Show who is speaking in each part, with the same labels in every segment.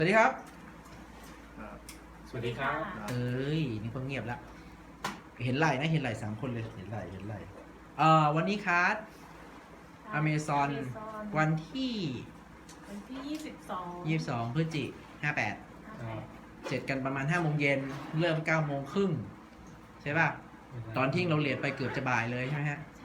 Speaker 1: วัสดีครับ
Speaker 2: สวัสดีครับ
Speaker 1: เอ้ยนี่คนเงียบละเห็นไหลนะเห็นไหล3 คนเลยเห็นไหลวันนี้คัสอเมซอนวันที่22 พฤศจิกายน 58เสร็จกันประมาณ5 โมงเย็นเริ่ม9 โมงครึ่งใช่ป่ะตอนที่เราเรียนไปเกือบจะบ่ายเลยใช่ไหมฮะ
Speaker 3: ใช่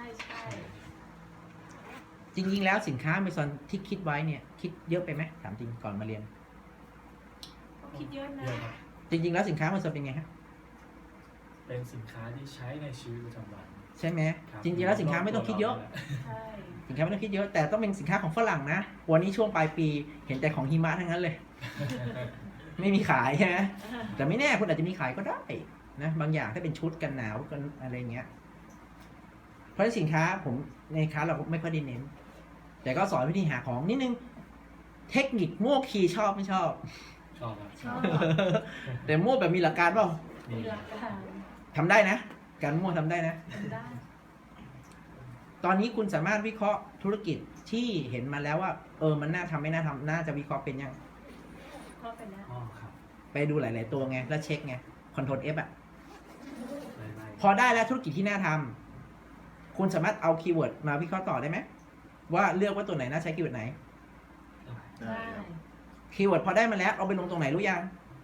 Speaker 1: จริงๆแล้วสินค้าอเมซอนที่คิดไว้เนี่ยคิดเยอะไปไหมถามจริงก่อนมาเรียน
Speaker 3: ก็คิดเยอะนะ
Speaker 2: เยอะครับ
Speaker 1: จริงๆแล้วสินค้าอเมซอนเป็นไงฮะ
Speaker 2: เป็นสินค้าที่ใช้ในชีวิตประจำวัน
Speaker 1: ใช่ไหม
Speaker 2: ครับ
Speaker 1: จริงๆแล้วสินค้าไม่ต้องคิดเยอะ
Speaker 3: ใช่
Speaker 1: สินค้าไม่ต้องคิดเยอะแต่ต้องเป็นสินค้าของฝรั่งนะวันนี้ช่วงปลายปีเห็นแต่ของหิมะทั้งนั้นเลย ไม่มีขายใช่ไหมแต่ไม่แน่คุณอาจจะมีขายก็ได้นะบางอย่างถ้าเป็นชุดกันหนาวกันอะไรเงี้ยเพราะฉะนั้นสินค้าผมในค้าเราไม่ค่อยได้เน้นแต่ก็สอนวิธีหาของนิดนึงเทคนิคมั่วคีย์ชอบไม่ชอบ
Speaker 2: ชอบครับ
Speaker 3: ชอบ
Speaker 1: แต่มั่วแบบมีหลักการเปล่า
Speaker 3: มีหลักการ
Speaker 1: ทำได้นะ การมั่วทำได้นะ
Speaker 3: ทำได้
Speaker 1: ตอนนี้คุณสามารถวิเคราะห์ธุรกิจที่เห็นมาแล้วว่ามันน่าทำไม่น่าทำน่าจะวิเคราะห์เป็นยัง
Speaker 3: ก็เป็นแล้ว
Speaker 2: อ๋อครับ
Speaker 1: ไปดูหลาย ๆ ตัวไงแล้วเช็คไงคอนโทรล F อ่ะ
Speaker 2: ไล่
Speaker 1: พอได้แล้วธุรกิจที่น่าทำคุณสามารถเอาคีย์เวิร์ดมาวิเคราะห์ต่อได้ไหมว่าเลือกว่าตัวไหนน่าใช้คีย์เวิร์ดไหน
Speaker 3: ได้
Speaker 1: คีย์เวิร์ดพอได้มาแล้วเอาไปลงตรงไหนรู้ยัง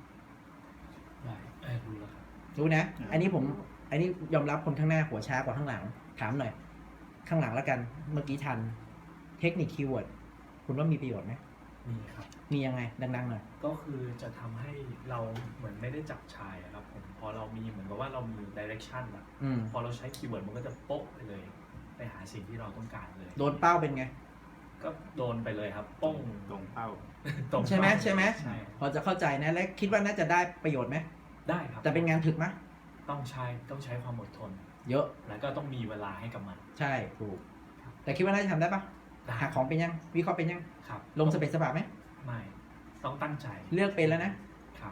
Speaker 2: รู้แล้วครับ
Speaker 1: รู้นะ อันนี้ยอมรับคนข้างหน้าหัวช้ากว่าข้างหลังถามหน่อย ข้างหลังแล้วกันเมื่อกี้ทันเทคนิคคีย์เวิร์ดคุณว่ามีประโยชน์ไหม
Speaker 2: มีครับ
Speaker 1: มียังไงดัง ๆ หน่อย
Speaker 2: ก็คือจะทำให้เราเหมือนไม่ได้จับชายอะครับผมพอเรามีเหมือนกับว่าเรามี direction อะ พอเราใช้คีย์เวิร์ดมันก็จะโป๊ะไปเลย ไปหาสิ่งที่เราต้องการเลย
Speaker 1: โดนเป้าเป็นไง
Speaker 2: ก็โดนไปเลยครับป้ง
Speaker 4: ตรงเป้า
Speaker 2: ตรง
Speaker 1: ใช่ไหม
Speaker 2: เป้า
Speaker 1: ใช่ไหม
Speaker 2: ใช่
Speaker 1: พอจะเข้าใจนะและคิดว่าน่าจะได้ประโยชน์ไหม
Speaker 2: ได้ครับ
Speaker 1: แต่เป็นงานถึกไหม
Speaker 2: ต้องใช้ความอดทน
Speaker 1: เยอะ
Speaker 2: แล้วก็ต้องมีเวลาให้กับมัน
Speaker 1: ใช่ถูกแต่คิดว่าน่าจะทำได้ปะ
Speaker 2: ได้
Speaker 1: หาของเป็นยังวิเคราะห์เป็นยัง
Speaker 2: ครับ
Speaker 1: ลงสเปซสปะไหม
Speaker 2: ไม่ต้องตั้งใจ
Speaker 1: เลือกเป็นแล้วนะ
Speaker 2: ครับ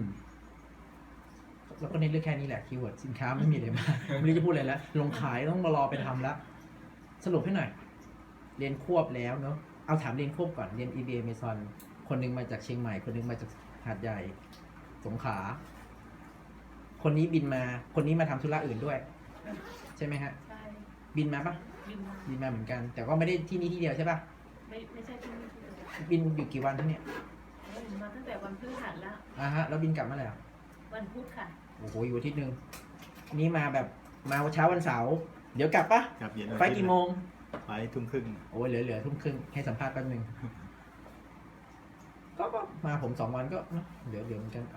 Speaker 1: แล้วก็เน้นเรื่องแค่นี้แหละคีย์เวิร์ดสินค้าไม่มีอะไรมาก ไม่รู้จะพูดอะไรแล้วลงขายต้องมารอไปทำแล้ว สรุปให้หน่อย เรียนควบแล้วเนาะเอาถามเรียนควบก่อนเรียน EBA Amazon คนหนึงมาจากเชียงใหม่ คนหนึงมาจากหาดใหญ่ สงขลาคนนี้บินมาคนนี้มาทำธุระอื่นด้วย ใช่ไหมฮะ
Speaker 3: ใช่
Speaker 1: บินมาปะ
Speaker 3: บินมา
Speaker 1: บินมาเหมือนกัน แต่ก็ไม่ได้ที่นี่ที่เดียวใช่ปะ
Speaker 3: ไม่ใช่ที่นี่ที่เดียว
Speaker 1: บินอยู่กี่วันทั้งเนี่ย
Speaker 3: มาตั้งแต่วันพฤหัสแล้ว
Speaker 1: ฮะแล้วบินกลับเมื่อไหร่อ่ะ
Speaker 3: วันพุธค่ะ
Speaker 1: โอ้โหอยู่อาทิตย์หนึงนี่มาแบบมาเช้าวันเสาร์เดี๋ยวกลับปะ
Speaker 4: กับเย็น
Speaker 1: ไฟล์กี่โมง
Speaker 4: ไฟล์ทุ่มครึ่ง
Speaker 1: โอ้ยเหลือทุ่มครึ่งให้สัมภาษณ์แป๊บนึง ก็มาผม2 วันก็เนอะเดี๋ยวเหมือนกัน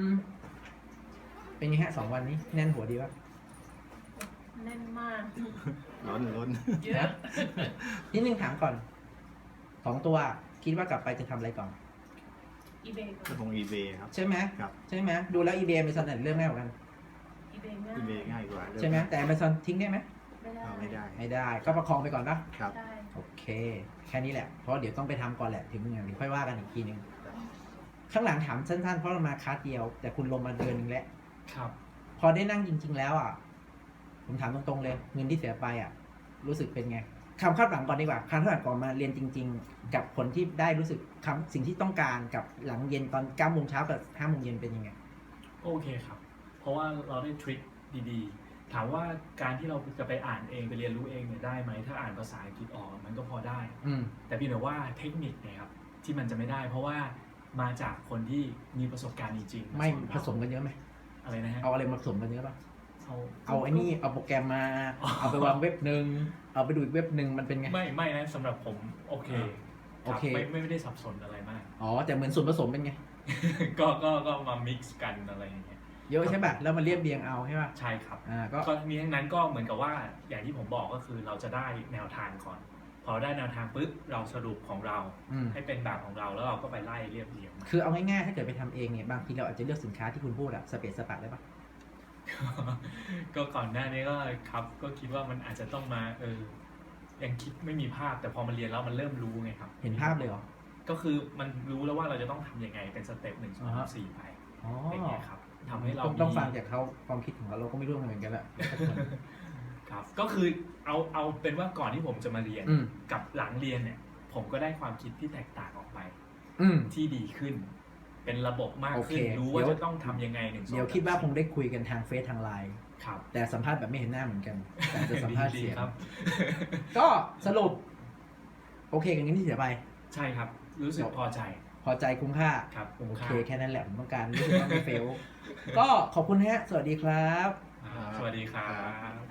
Speaker 1: เป็นไงฮะ2 วันนี้แน่นหัวดีปะ
Speaker 3: แน่นมาก
Speaker 4: ล้น
Speaker 3: เยอะ
Speaker 1: นิดนึงถามก่อน2 ตัวคิดว่ากลับไปจะทำอะไรก่อน
Speaker 3: อีเบย์
Speaker 4: ก็คง eBay ครับ
Speaker 1: ใช่ไหม
Speaker 4: ครับ
Speaker 1: ใช่ไหมดูแล้ว eBay Amazon เรื่องง่ายกว่ากัน
Speaker 3: อีเบย์ง่าย
Speaker 4: eBay ง่ายกว่า
Speaker 1: ใช่ไหมแต่ Amazon ทิ้งได้ไหม
Speaker 3: ไม่ได้
Speaker 4: เอาไม่ได้
Speaker 1: ไม่ได้ก็ประคองไปก่อนปะ
Speaker 4: ครับ
Speaker 3: ได้
Speaker 1: โอเค แค่นี้แหละเพราะเดี๋ยวต้องไปทำก่อนแหละถึงงานถึงค่อยว่ากันอีกทีนึงข้างหลังถามสั้นๆเพราะเรามาคลาสเดียว แต่คุณลงมาเดือนนึงแล้ว
Speaker 2: ครับ
Speaker 1: พอได้นั่งจริง ๆ แล้วอ่ะ ผมถามตรงๆเลย เงินที่เสียไปอ่ะ รู้สึกเป็นไงคำคาดหวังก่อนดีกว่าคำคาดหวังก่อนมาเรียนจริง ๆ กับผลที่ได้รู้สึกสิ่งที่ต้องการกับหลังเย็นตอน9 โมงเช้ากับ5 โมงเย็นเป็นยังไง
Speaker 2: โอเคครับ เพราะว่าเราได้ทริคดีๆ ถามว่าการที่เราจะไปอ่านเองไปเรียนรู้เองเนี่ยได้ไหมถ้าอ่านภาษาอังกฤษออกมันก็พอได้
Speaker 1: อืม
Speaker 2: แต่เพียงแต่ว่าเทคนิคเนี่ยครับที่มันจะไม่ได้ เพราะว่ามาจากคนที่มีประสบการณ์จริงๆ
Speaker 1: ไม่
Speaker 2: สอน
Speaker 1: ผ
Speaker 2: เรา
Speaker 1: สมกันเยอะไหม
Speaker 2: อะไรนะฮะ
Speaker 1: เอาอะไรมาผสมกันเยอะป่ะ
Speaker 2: เอา
Speaker 1: เอาไอ้นี่เอาโปรแกรมมา เอาไปวางเว็บหนึ่งเอาไปดูอีกเว็บหนึ่งมันเป็นไง
Speaker 2: ไม่นะสำหรับผมโอเค
Speaker 1: โอเค
Speaker 2: รับไม่ได้สับสนอะไรมาก
Speaker 1: อ๋อแต่เหมือนส่วนผสมเป็นไง
Speaker 2: ก็มา mix กันอะไรอย่างเงี้ย
Speaker 1: เยอะใช่ป่ะแล้วมันเรียบเรียงเอาใช่ป่ะ
Speaker 2: ใช่ครับ
Speaker 1: ก็
Speaker 2: ก็มีทั้งนั้นก็เหมือนกับว่าอย่างที่ผมบอกก็คือเราจะได้แนวทางก่อน พอได้แนวทางปุ๊บเราสรุปของเรา
Speaker 1: อืม
Speaker 2: ให้เป็นแบบของเราแล้วเราก็ไปไล่เรียบเรียงมา
Speaker 1: คือเอาง่ายๆถ้าเกิดไปทำเองเนี่ยบางทีเราอาจจะเลือกสินค้าที่คุณพูดอะสเปซสปะได้ป่ะ
Speaker 2: ก็ก่อนหน้านี้ก็ครับก็คิดว่ามันอาจจะต้องมายังคิดไม่มีภาพแต่พอมาเรียนแล้วมันเริ่มรู้ไงครับ
Speaker 1: เห็นภาพเลยเหรอ
Speaker 2: ก็คือมันรู้แล้วว่าเราจะต้องทำยังไงเป็นสเต็ป1 2 3 4ไป
Speaker 1: อ๋อ
Speaker 2: อย่างเงี้ยครับทำให้เรา
Speaker 1: ต้องฟังจากเขาความคิดของเราก็ไม่รู้เหมือนกันแหละ
Speaker 2: ครับก็คือเอาเป็นว่าก่อนที่ผมจะมาเรียน
Speaker 1: อืม
Speaker 2: กับหลังเรียนเนี่ย ผมก็ได้ความคิดที่แตกต่างออกไป
Speaker 1: อืม
Speaker 2: ที่ดีขึ้นเป็นระบบมาก
Speaker 1: โอเค
Speaker 2: ขึ้นรู้ว่า
Speaker 1: เดี๋ยว
Speaker 2: จะต้องทำยังไงหนึ่งสอง
Speaker 1: เดี๋ยวคิดว่าคงได้คุยกันทางเฟซทางไลน์
Speaker 2: ครับ
Speaker 1: แต่สัมภาษณ์แบบไม่เห็นหน้าเหมือนกัน แต่จะสัมภาษณ์เสียง
Speaker 2: ดีครับ
Speaker 1: ก็สรุป โอเคกันนี้ที่เสียไป
Speaker 2: ใช่ครับ รู้สึกพอใจ
Speaker 1: พอใจคุ้มค่า
Speaker 2: ครับคุ้ม
Speaker 1: โอ
Speaker 2: ค่า
Speaker 1: เคแค่นั้นแหละผมต้องการรู้สึกว่าไม่เฟล ก็ขอบคุณฮะ สวัสดีครับ
Speaker 2: สวัสดีครับ